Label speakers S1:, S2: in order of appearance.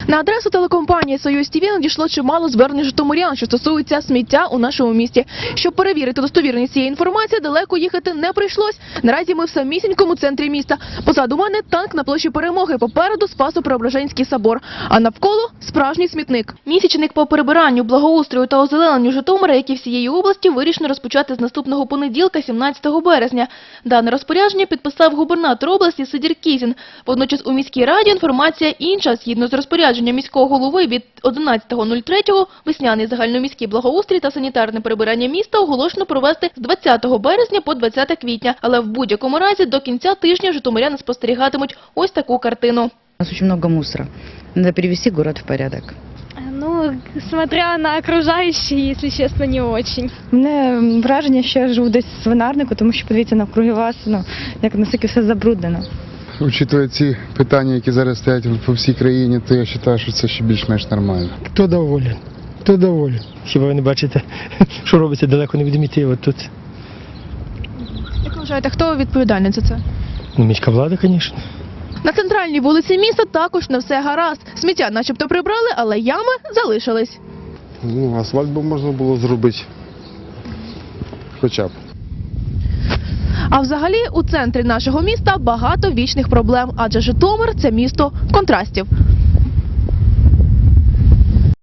S1: На адресу телекомпанії «Союз ТВ» надійшло чимало звернень житомирян, що стосуються сміття у нашому місті. Щоб перевірити достовірність цієї інформації, далеко їхати не прийшлось. Наразі ми в самісінькому центрі міста. Позаду мене танк на площі Перемоги, попереду Спасо-Преображенський собор, а навколо справжній смітник. Місячник по прибиранню, благоустрою та озелененню Житомира, як і всієї області, вирішено розпочати з наступного понеділка, 17 березня. Дане розпорядження підписав губернатор області Сидір Кізін. Водночас у міській раді інформація інша. Згідно з розпорядженням міського голови від 11.03 весняний загальноміський благоустрій та санітарне прибирання міста оголошено провести з 20 березня по 20 квітня. Але в будь-якому разі до кінця тижня житомиряни спостерігатимуть ось таку картину.
S2: У нас очень много мусора. Надо привести город в порядок.
S3: Ну, смотря на окружающие, если честно, не очень.
S4: У мене враження, що я живу десь в свинарнику, тому що подивіться навкруги вас, як наскільки все забруднено.
S5: Учитывая ці питання, які зараз стоять по всій країні, то я вважаю, що це ще більш-менш нормально.
S6: Хто доволен? Хто доволен? Хіба ви не бачите, що робиться далеко не від мети, от тут?
S1: Як ви вважаєте, хто відповідальний за це?
S6: Ну, міська влада, звісно.
S1: На центральній вулиці міста також не все гаразд. Сміття начебто прибрали, але ями залишились.
S5: Ну, асфальт би можна було зробити. Хоча б.
S1: А взагалі у центрі нашого міста багато вічних проблем, адже Житомир – це місто контрастів.